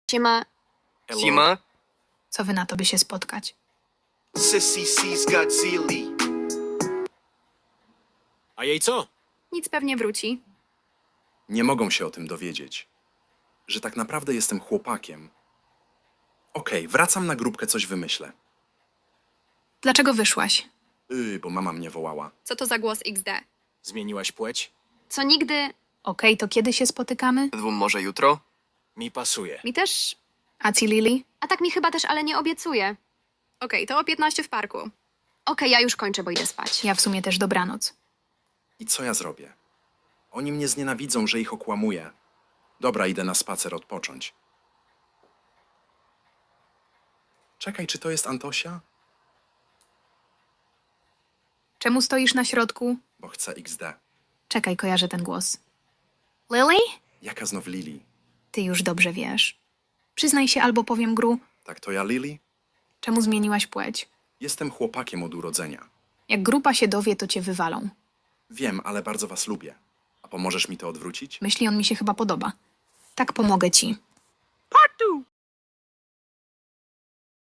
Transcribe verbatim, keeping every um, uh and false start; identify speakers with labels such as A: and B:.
A: Siema.
B: Sima?
C: Co wy na to, by się spotkać?
D: Sissy C's Godzilla.
B: A jej co?
A: Nic pewnie wróci.
E: Nie mogą się o tym dowiedzieć. Że tak naprawdę jestem chłopakiem. Okej, wracam na grupkę, coś wymyślę.
C: Dlaczego wyszłaś?
E: Yy, bo mama mnie wołała.
A: Co to za głos iks de?
B: Zmieniłaś płeć?
A: Co nigdy...
C: Okej, to kiedy się spotykamy?
B: Dwóm może jutro? Mi pasuje.
A: Mi też...
C: A ci Lili?
A: A tak mi chyba też, ale nie obiecuję. Okej, to o piętnaście w parku. Okej, ja już kończę, bo idę spać.
C: Ja w sumie też dobranoc.
E: I co ja zrobię? Oni mnie znienawidzą, że ich okłamuję. Dobra, idę na spacer odpocząć. Czekaj, czy to jest Antosia?
C: Czemu stoisz na środku?
E: Bo chcę iks de.
C: Czekaj, kojarzę ten głos. Lily?
E: Jaka znów Lili?
C: Ty już dobrze wiesz. Przyznaj się albo powiem Gru,
E: Tak to ja Lili?
C: czemu zmieniłaś płeć?
E: Jestem chłopakiem od urodzenia.
C: Jak grupa się dowie, to cię wywalą.
E: Wiem, ale bardzo was lubię. A pomożesz mi to odwrócić?
C: Myśli on mi się chyba podoba. Tak pomogę ci.
B: Part two!